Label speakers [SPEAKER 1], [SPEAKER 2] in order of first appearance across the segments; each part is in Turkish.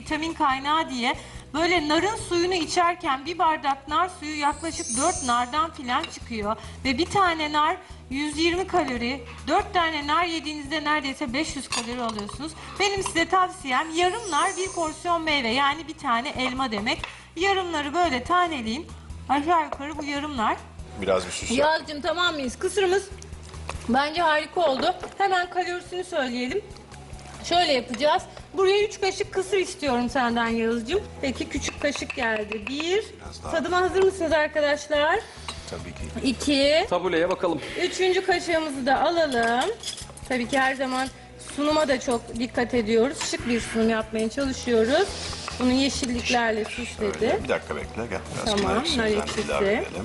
[SPEAKER 1] vitamin kaynağı diye böyle narın suyunu içerken bir bardak nar suyu yaklaşık 4 nardan filan çıkıyor. Ve bir tane nar 120 kalori, 4 tane nar yediğinizde neredeyse 500 kalori alıyorsunuz. Benim size tavsiyem yarım nar bir porsiyon meyve, yani bir tane elma demek. Yarımları böyle taneleyin. Aşağı yukarı bu yarımlar.
[SPEAKER 2] Biraz bir süs yap.
[SPEAKER 1] Yağız'cığım tamam mıyız? Kısırımız bence harika oldu. Hemen kalorisini söyleyelim. Şöyle yapacağız. Buraya 3 kaşık kısır istiyorum senden Yağız'cığım. Peki küçük kaşık geldi. 1. Tadıma hazır mısınız arkadaşlar?
[SPEAKER 2] Tabii ki.
[SPEAKER 1] 2.
[SPEAKER 3] Tabuleye bakalım.
[SPEAKER 1] 3. kaşığımızı da alalım. Tabii ki her zaman sunuma da çok dikkat ediyoruz. Şık bir sunum yapmaya çalışıyoruz. Bunu yeşilliklerle süsledi.
[SPEAKER 2] Öyle. Bir dakika bekle. Gel. Biraz
[SPEAKER 1] Tamam,
[SPEAKER 2] nar ekşisinden
[SPEAKER 1] nar ekşisi.
[SPEAKER 2] ilave edelim.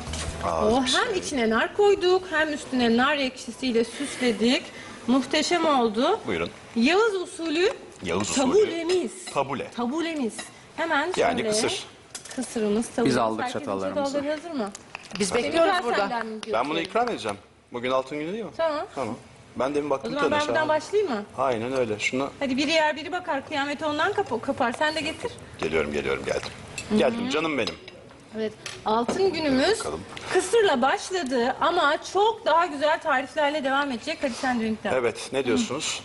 [SPEAKER 1] O hem içine nar koyduk hem üstüne nar ekşisiyle süsledik. Muhteşem oldu.
[SPEAKER 2] Buyurun.
[SPEAKER 1] Yağız usulü
[SPEAKER 2] Yağız usulü.
[SPEAKER 1] tabulemiz.
[SPEAKER 2] Tabule.
[SPEAKER 1] Tabulemiz. Hemen şöyle.
[SPEAKER 2] Yani kısır.
[SPEAKER 1] Kısırımız, tabulemiz.
[SPEAKER 3] Biz aldık
[SPEAKER 1] Herkesin
[SPEAKER 3] çatallarımızı.
[SPEAKER 1] çatalları hazır mı?
[SPEAKER 4] Biz bekliyoruz
[SPEAKER 1] Semih,
[SPEAKER 4] burada.
[SPEAKER 1] senden mi
[SPEAKER 2] Ben bunu
[SPEAKER 1] götürelim?
[SPEAKER 2] ikram edeceğim. Bugün altın günü değil mi?
[SPEAKER 1] Tamam.
[SPEAKER 2] Tamam. Ben demin
[SPEAKER 1] O
[SPEAKER 2] baktım
[SPEAKER 1] zaman ben
[SPEAKER 2] tadına.
[SPEAKER 1] buradan başlayayım mı?
[SPEAKER 2] Aynen öyle. Şunu
[SPEAKER 1] Hadi biri yer biri bakar. Kıyamet ondan kapar. Sen de getir.
[SPEAKER 2] geliyorum geldim. Geldim canım benim.
[SPEAKER 1] Evet. Altın günümüz
[SPEAKER 2] Bakalım.
[SPEAKER 1] kısırla başladı ama çok daha güzel tariflerle devam edecek. Hadi sen de ünlükten.
[SPEAKER 2] Evet, ne diyorsunuz?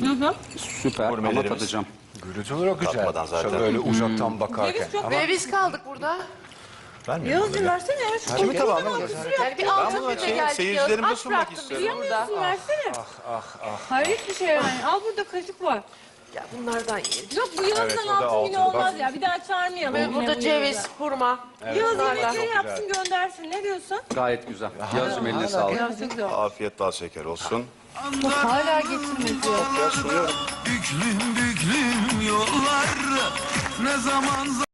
[SPEAKER 3] Süper ama
[SPEAKER 2] Gurmelerimiz.
[SPEAKER 3] tadacağım.
[SPEAKER 5] Görüntü olarak güzel.
[SPEAKER 2] Tatmadan zaten.
[SPEAKER 5] Şöyle öyle uzaktan bakarken.
[SPEAKER 1] Ceviz çok
[SPEAKER 4] Ve biz kaldık burada.
[SPEAKER 5] Vermiyorum
[SPEAKER 1] Yağız'cığım
[SPEAKER 5] böyle.
[SPEAKER 1] versene ya. Şu
[SPEAKER 5] Tabii tabii ama
[SPEAKER 4] Yani bir altın
[SPEAKER 2] bunu
[SPEAKER 4] günde geldik.
[SPEAKER 2] seyircilerime
[SPEAKER 4] Aç
[SPEAKER 2] sunmak
[SPEAKER 4] bıraktım
[SPEAKER 2] istiyorum.
[SPEAKER 4] bizi burada.
[SPEAKER 1] Yiyemiyorsun versene. Hayret bir şey yani. Al burada kaşık var.
[SPEAKER 4] Ya bunlardan yiyelim.
[SPEAKER 1] Yok bu Yağız'dan
[SPEAKER 5] Evet, o da
[SPEAKER 1] altın günü
[SPEAKER 5] altın.
[SPEAKER 1] olmaz
[SPEAKER 5] Bak.
[SPEAKER 1] ya. Bir daha çağırmayalım.
[SPEAKER 4] Ve
[SPEAKER 1] yine
[SPEAKER 4] burada
[SPEAKER 1] bu
[SPEAKER 4] ceviz,
[SPEAKER 1] Yağız'a.
[SPEAKER 4] hurma.
[SPEAKER 1] Yağız
[SPEAKER 4] bunlarla.
[SPEAKER 1] yemekleri yapsın göndersin. Ne diyorsun?
[SPEAKER 3] Gayet güzel. Yağız'cığım eline sağlık.
[SPEAKER 1] Yağız çok güzel.
[SPEAKER 2] Afiyet bal şeker olsun.
[SPEAKER 1] Bak hala getirmedi.
[SPEAKER 2] Biraz sunuyorum.
[SPEAKER 6] Büklüm büklüm yollar ne zaman